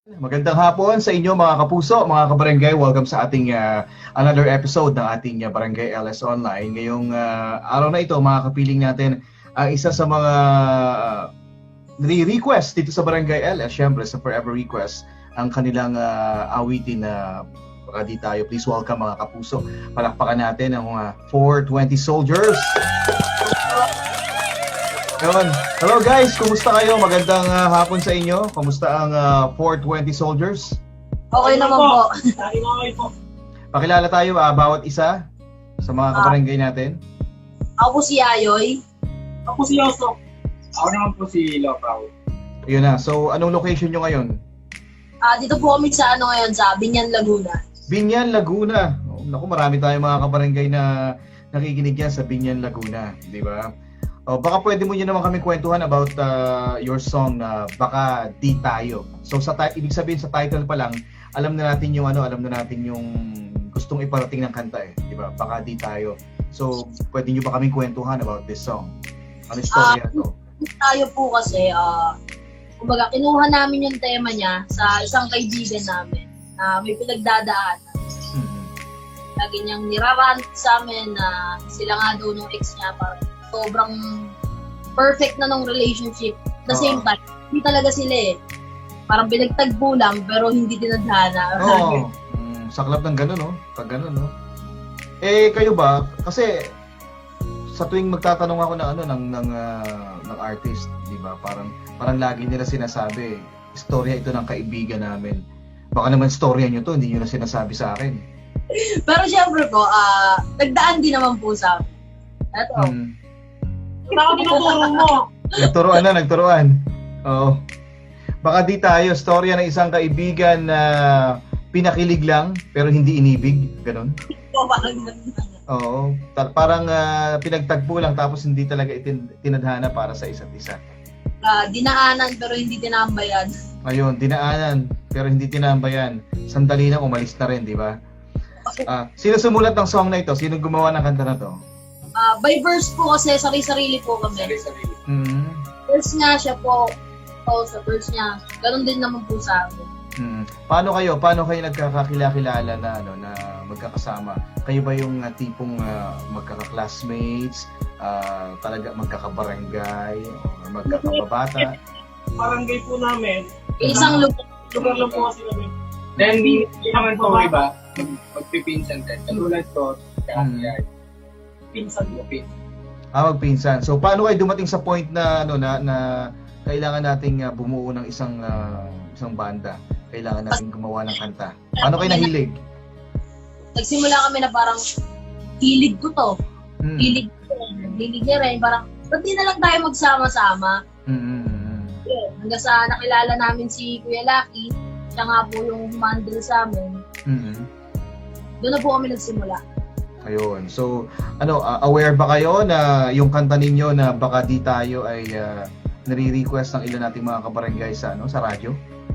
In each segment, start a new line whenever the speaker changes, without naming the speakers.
Magandang hapon sa inyo mga kapuso, mga kabarangay. Welcome sa ating another episode ng ating Barangay LS Online. Ngayong araw na ito, mga kapiling natin, ang isa sa mga request dito sa Barangay LS, syempre sa Forever Request, ang kanilang awitin na baka di tayo. Please welcome mga kapuso. Palakpakan natin ang 420 Soldiers. Yun. Hello guys, kumusta kayo? Magandang hapon sa inyo. Kumusta ang 420 Soldiers?
Okay naman po.
Okay po.
Pakilala tayo bawat isa sa mga kabarangay natin.
Ako po si Ayoy.
Ako si Yoso. Ako naman po si Lopaw.
Yun na. So, anong location nyo ngayon?
Dito po kami sa ngayon, sa Binyan, Laguna.
Binyan, Laguna. Oh, naku, marami tayong mga kabarangay na nakikinig yan sa Binyan, Laguna. Di ba? Oh, baka pwede mo nyo naman kami kwentuhan about your song na Baka Di Tayo. So, ibig sabihin sa title pa lang, alam na natin yung gustong iparating ng kanta eh. Di ba? Baka Di Tayo. So, pwede nyo ba kami kwentuhan about this song? Ano istorya to?
Tayo po kasi, kumbaga, kinuha namin yung tema niya sa isang kaibigan namin na may pinagdadaan. Lagi niyang nirarant sa amin na sila nga daw nung ex niya parang sobrang perfect na nung relationship. At the same time, hindi talaga sila eh. Parang pinagtagpo lang pero hindi tinadhana.
Oo. Saklap ng gano'n, no? Pag gano'n, no? Eh, kayo ba? Kasi sa tuwing magtatanong ako ng artist, di ba? Parang lagi nila sinasabi, istorya ito ng kaibigan namin. Baka naman storya nyo to, hindi nyo na sinasabi sa akin.
Pero syempre po, nagdaan din naman po sa amin. Ito.
Ako tinuturo mo.
Nagturuan. Oo. Baka Di Tayo, storya ng isang kaibigan na pinakilig lang pero hindi inibig, ganun. Oo. Parang pinagtagpo lang tapos hindi talaga tinadhana para sa isa't isa.
Dinaanan pero hindi tinambayan.
Ayun, dinaanan pero hindi tinambayan. Sandali na umalis na rin, di ba? Sino sumulat ng song na ito? Sino gumawa ng kanta na to?
By verse po kasi, sarili-sarili po kami.
Sarili.
Verse nga siya po. Sa verse niya. Ganun din naman po sa akin.
Paano kayo nagkakakilala na magkakasama? Kayo ba yung tipong magkaka-classmates, talaga magkakabarangay, o magkakababata?
Barangay po namin.
Isang
Lugar lang po kasi kami. Then, hindi naman po iba. Magpipinsan din. Katulad ko, kaya pinsan mo.
Magpinsan. So paano kayo dumating sa point na na kailangan nating bumuo ng isang banda? Kailangan nating gumawa ng kanta. Paano kayo nahilig?
Nagsimula kami na parang hilig ko to. Hilig niya rin. Parang, ba't di na lang tayo magsama-sama? Yeah. Hanggang sa nakilala namin si Kuya Lucky, siya nga po yung humandle sa amin. Doon na po kami nagsimula.
Ayun. So, aware ba kayo na yung kanta ninyo na Baka Di Tayo ay nare-request ng ilan nating mga kabarangay sa radyo?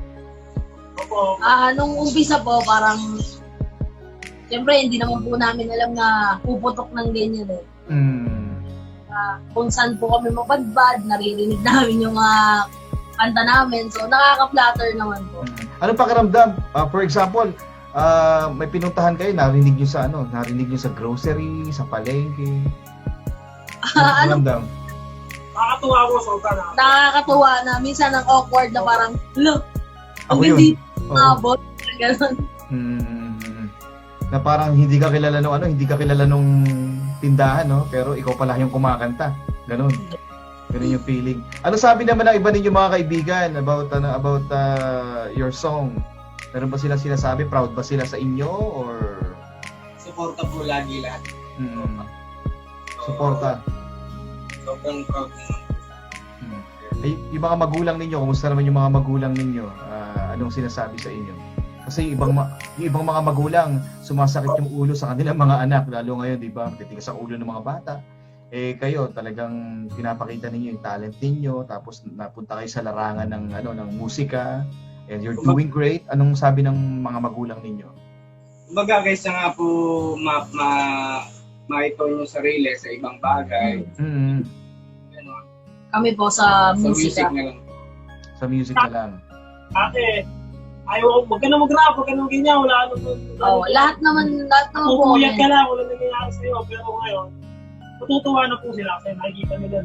Opo.
Nung umpisa po, parang siyempre hindi naman po namin alam na puputok ng ganyan eh. Kung saan po kami mabadbad, naririnig namin yung mga kanta namin. So, nakaka-flatter naman po.
Anong pakiramdam? For example, may pinuntahan kayo, narinig nyo sa grocery, sa palengke. Pakiramdam?
Nakakatuwa ko, Sultan.
Nakakatuwa na minsan ang awkward na parang, look,
Ako
ang
yun.
hindi abot. Ganun.
Na parang hindi ka kilala nung tindahan, no? Pero ikaw pala yung kumakanta. Ganun yung feeling. Ano sabi naman ng iba ninyong mga kaibigan about your song? Meron ba sila sinasabi? Proud ba sila sa inyo? Or
Suporta po lagi lahat.
Suporta?
Sobrang proud naman.
Yung mga magulang ninyo, kumusta naman yung mga magulang ninyo? Anong sinasabi sa inyo? Kasi yung ibang mga magulang, sumasakit yung ulo sa kanilang mga anak. Lalo ngayon, di ba? Matitigas ang ulo ng mga bata. Kayo, talagang pinapakita ninyo yung talent ninyo. Tapos napunta kayo sa larangan ng musika. And you're doing great. Anong sabi ng mga magulang ninyo?
Kumbaga guys, nga po maitone yung sarili sa ibang bagay.
Kami po sa
Sa music
musika.
na lang.
Sa music na lang.
Ate, ayaw, wag ka na mag-rap, wag ka na ganyan, wala naman.
Lahat naman po
Pupuyat
kami.
ka lang, wala nangyayari sa'yo. Pero ngayon, matutuwa na po sila kasi nakikita nila.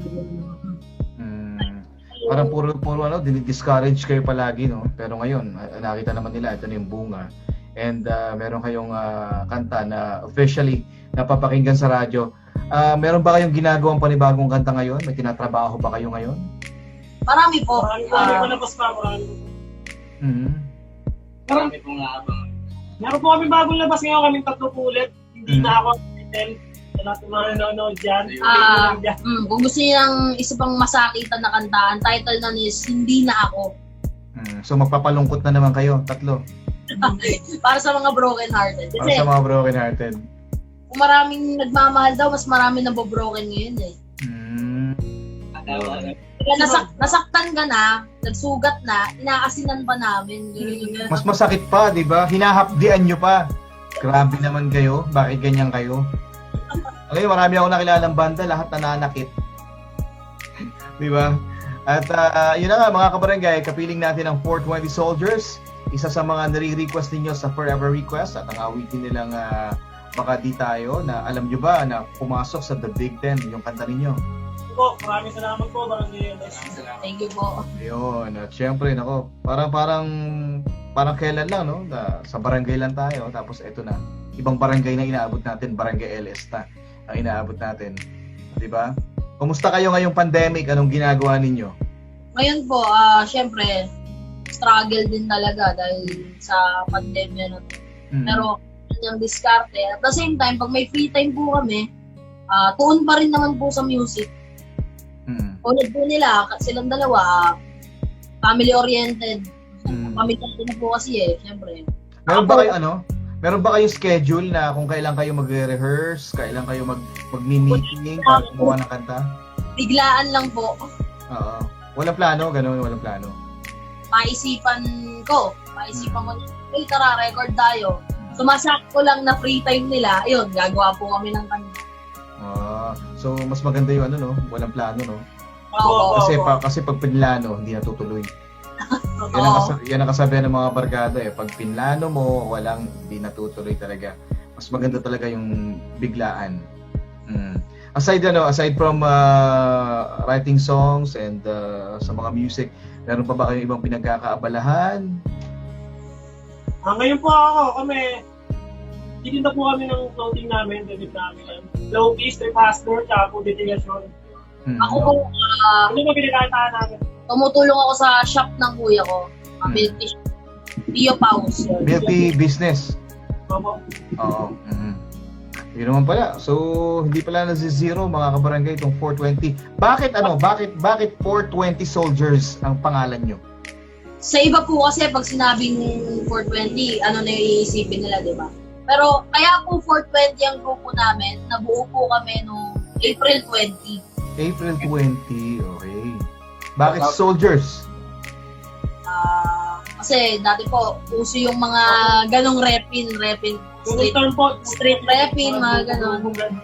Parang puro ano, dinidiscourage kayo palagi, no? Pero ngayon, nakita naman nila, ito na yung bunga. And meron kayong kanta na officially napapakinggan sa radyo. Meron ba kayong ginagawang panibagong kanta ngayon? May tinatrabaho ba kayo ngayon?
Marami po.
Marami pa labas pa, marami.
Marami pong naabang.
Meron po kami bagong labas ngayon, kaming 3 po ulit. Hindi na ako title. Sa lahat ng mga nanonood dyan.
Kung gusto niyo ng isa pang masakitan na kanta, ang title na is Hindi Na Ako.
So magpapalungkot na naman kayo, 3.
Para sa mga broken hearted.
Para
Kasi
sa mga broken hearted.
kung maraming nagmamahal daw, mas marami na broken ngayon eh. Kaya nasaktan ka na, nagsugat na, inaasinan pa namin. Ganun.
Mas masakit pa, di ba? Hinahapdian nyo pa. Grabe naman kayo. Bakit ganyan kayo? Ngayon, marami akong nakilalang banda, lahat nananakit. Di ba? At yun na nga, mga kabarangay, kapiling natin ang 420 Soldiers. Isa sa mga nare-request ninyo sa Forever Request at ang awitin nilang Baka Di Tayo na alam nyo ba na pumasok sa The Big Ten yung kanta ninyo.
Po, maraming salamat po, Barangay LS.
Thank you po.
Ayun, at syempre, nako, parang kailan lang, no? Sa barangay lang tayo, tapos eto na. Ibang barangay na inaabot natin, Barangay LS na ang inaabot natin. Di ba? Kumusta kayo ngayong pandemic? Anong ginagawa ninyo?
Ngayon po, syempre, struggle din talaga dahil sa pandemya na to. Pero, yung diskarte. At the same time, pag may free time po kami, tuon pa rin naman po sa music. Tulad po nila, silang dalawa, family-oriented. Family-oriented na po kasi syempre.
Meron ba kayong schedule na kung kailan kayo magre-rehearse, kailan kayo mag-meeting para gumawa ng kanta?
Biglaan lang po.
Oo. Walang plano, gano'n, walang plano.
Maisipan ko, tara, record tayo. Sumasakto lang na free time nila, ayun, gagawa po kami ng kanta.
So mas maganda yung walang plano, no?
Oo.
Kasi pag pinlano, hindi natutuloy. Yan ang kasabihan ng mga barkada eh. Pag pinlano mo, hindi natutuloy talaga. Mas maganda talaga yung biglaan. Aside from writing songs and sa mga music, meron pa ba kayong ibang pinagkakaabalahan?
Ngayon po kami, titinda po kami ng clothing namin, debit namin. Low-key, strip pastor, tsaka po detilasyon.
Ako po,
Ano ba pinagkataan namin?
tumutulong ako sa shop ng kuya ko. Milk Tio Paus.
Milky business.
Opo.
Oo. Yun naman pala. So, hindi pala na-zero mga kabarangay itong 420. Bakit 420 Soldiers ang pangalan nyo?
Sa iba po kasi pag sinabing 420, ano na yung iisipin nila, di ba? Pero kaya po 420 ang grupo namin, nabuo po kami noong April 20.
April 20, okay. Bakit Soldiers?
Kasi dati po, uso yung mga ganong repin, street repin, mga ganon.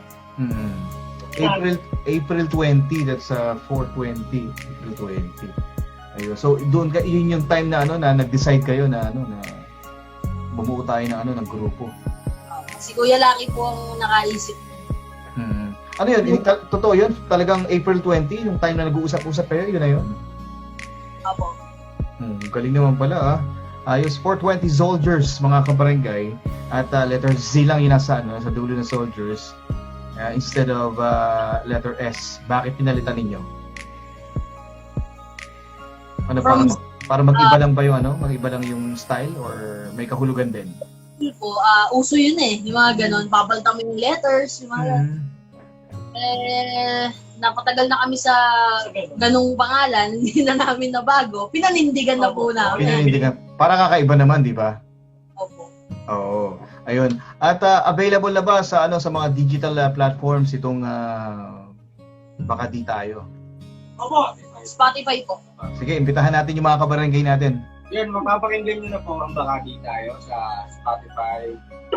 April 20, that's 420. April 20. Ayun. So doon yun yung time na na nag-decide kayo na na bumuo tayo ng grupo.
Si Kuya Lucky po ang nakaisip.
Ano yun? Totoo yun? Talagang April 20, yung time na nag-uusap-usap kayo, yun na yun?
Opo.
Galing naman pala Ayos, 420 Soldiers mga kabarangay. At letter Z lang yun sa dulo ng Soldiers. Instead of letter S. Bakit pinalitan ninyo? Para mag-iba lang ba yung mag-iba lang yung style or may kahulugan din?
Po, uso yun yung mga ganon. Papalitan mo yung letters, yung mga napatagal na kami sa ganung pangalan, hindi na namin nabago. Pinanindigan na po namin.
Pinanindigan. Para kakaiba naman, di ba?
Opo.
Oo. Ayun. At available na ba sa sa mga digital platforms itong Baka Di Tayo?
Opo.
Spotify po.
Sige, imbitahan natin yung mga kabarangay natin.
Yan, mapapakinggan nyo na po ang Baka Di Tayo sa Spotify.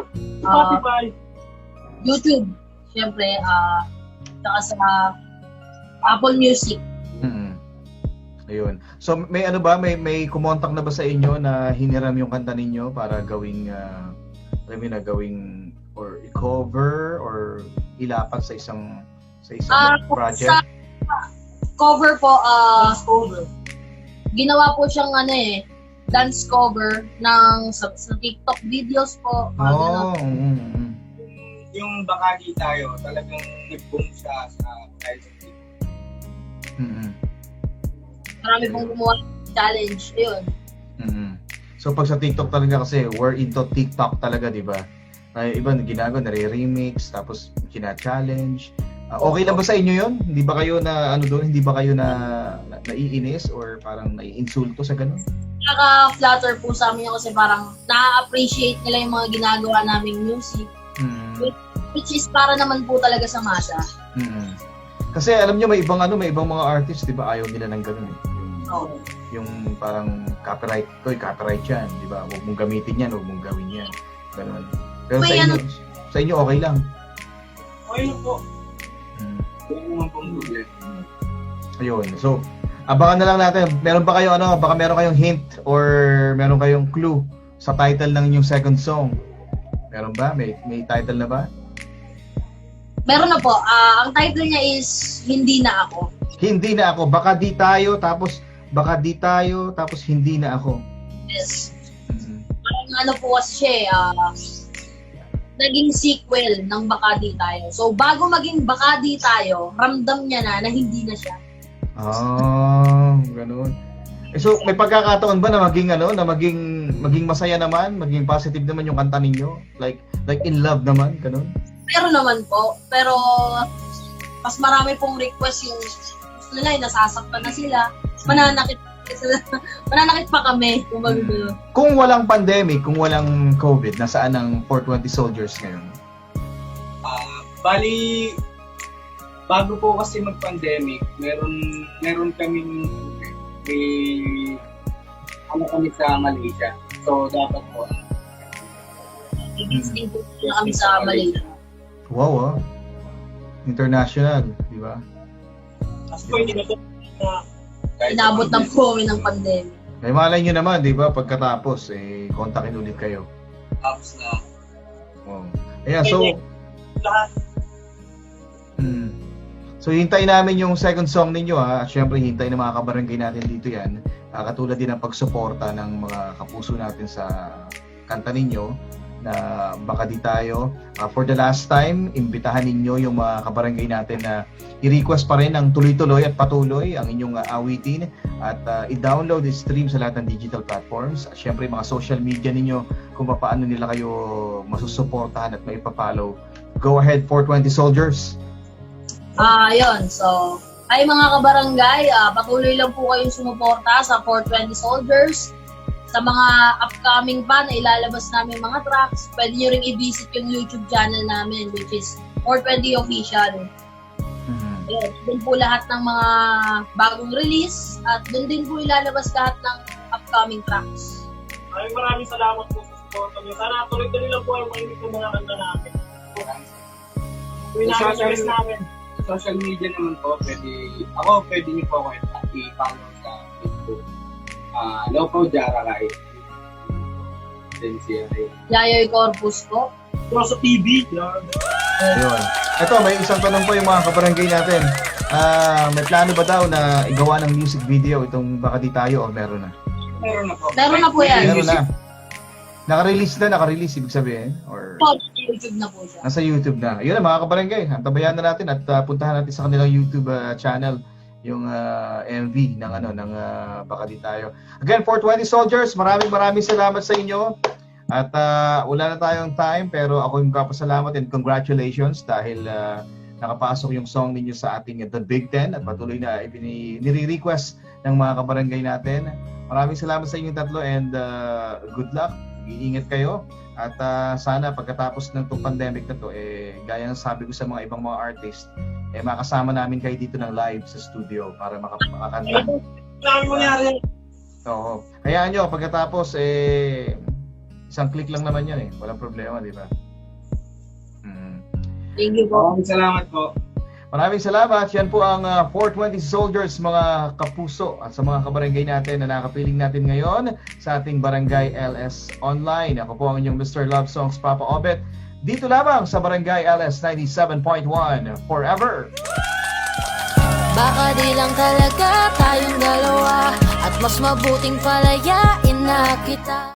YouTube. Siyempre, saka sa Apple Music.
Ayun. So may ano ba, may kumontak na ba sa inyo na hiniram yung kanta ninyo para gawing gawing or i-cover or ilapat sa isang project?
Sa cover po, ginawa po siyang dance cover ng sa TikTok videos po.
Oh.
Yung baka di tayo, talagang nag-boom siya dahil sa TikTok.
Marami pong gumawa ng challenge. Ayun.
So pag sa TikTok talaga kasi, we're into TikTok talaga, di ba? Ay, iba ginagawa, nare-remix, tapos kina-challenge. Okay lang ba sa inyo yun? Hindi ba kayo na, hindi ba kayo naiinis or parang naiinsulto sa ganun?
Nakaka-flatter po sa amin yun kasi parang na-appreciate nila yung mga ginagawa naming music. Which is para naman po talaga sa masa.
Kasi alam nyo, may ibang mga artists, di ba, ayaw nila ng ganun eh. Yung parang copyright yan, di ba? Huwag mong gamitin yan, huwag mong gawin yan. Ganun. Pero sa inyo okay lang.
Okay lang po. Wala naman pong problema.
Ayun. So, abangan na lang natin. Meron ba kayo baka meron kayong hint or meron kayong clue sa title ng inyong second song? Meron ba? May title na ba?
Meron na po. Ang title niya is Hindi Na Ako.
Hindi Na Ako. Baka di tayo, tapos hindi na ako.
Yes. Parang po kasi siya naging sequel ng Baka Di Tayo. So, bago maging Baka Di Tayo, ramdam niya na hindi na siya.
Ganun. So, may pagkakataon ba na maging masaya naman, maging positive naman yung kanta ninyo? Like in love naman, ganun?
Pero naman po. Pero, mas marami pong request yung gusto nila, nasasaktan na sila. Mananakit pa kami.
Kung walang pandemic, kung walang COVID, nasaan ang 420 Soldiers ngayon?
Bali, bago po kasi mag-pandemic, meron kaming kami sa Malaysia. So, dapat po.
Visiting po kami sa Malaysia.
Wow, international, di ba?
Kasi po, hindi na po
inabot na po kami ng pandemic.
May malay nyo naman, di ba? Pagkatapos, kontakin ulit kayo.
tapos na.
Oh. Ayan, so... So, hintayin namin yung second song ninyo, ha. At syempre, hintayin ng mga kabarangay natin dito yan. Katulad din ng pagsuporta ng mga kapuso natin sa kanta ninyo na Baka Di Tayo. For the last time, imbitahan ninyo yung mga kabarangay natin na i-request pa rin ng tuloy-tuloy at patuloy ang inyong awitin at i-download, i-stream sa lahat ng digital platforms. At syempre, mga social media ninyo kung paano nila kayo masusuportahan at maipapollow. Go ahead, 420 Soldiers!
Yun. So, ay mga kabarangay, patuloy lang po kayong sumuporta sa 420 Soldiers. Sa mga upcoming pa na ilalabas namin mga tracks, pwede nyo ring i-visit yung YouTube channel namin, which is 420 Official. Yun, doon po lahat ng mga bagong release at doon din po ilalabas lahat ng upcoming tracks.
Maraming salamat po sa support nyo. Sana tuloy-tuloy lang po yung mahinig ng mga kanta namin. Tuloy namin.
Social media naman po, pwede niyo po ako i-follow sa Facebook. Loco Jarakay. Then siya rin.
Yayoy Corpus po.
Sa TV.
Ayun. Ito, may isang tanong po yung mga kabarangay natin. May plano ba daw na igawa ng music video itong Baka Di Tayo o meron na?
Meron na po.
Meron na po yan.
Meron na. Naka-release ibig sabihin? Or
YouTube na po siya.
nasa YouTube na. Yun na mga kabarangay. Antabayan na natin at puntahan natin sa kanilang YouTube channel yung MV ng Baka Di Tayo. Again, 420 Soldiers, maraming salamat sa inyo. At wala na tayong time pero ako yung kapasalamat and congratulations dahil nakapasok yung song ninyo sa ating The Big Ten at patuloy na nire-request ng mga kabarangay natin. Maraming salamat sa inyong tatlo and good luck. Iingat kayo at sana pagkatapos ng itong pandemic na to gaya ng sabi ko sa mga ibang mga artist makasama namin kayo dito ng live sa studio para makakanta. Oo. Hayaan nyo pagkatapos isang click lang naman yan walang problema, di ba?
Thank you po.
Maraming salamat po.
Maraming salamat. Yan po ang 420 Soldiers, mga kapuso, at sa mga kabarangay natin na nakapiling natin ngayon sa ating Barangay LS Online. Ako po ang inyong Mr. Love Songs, Papa Obet. Dito lamang sa Barangay LS 97.1 Forever.
Baka di lang talaga tayong dalawa, at mas mabuting palayain na kita.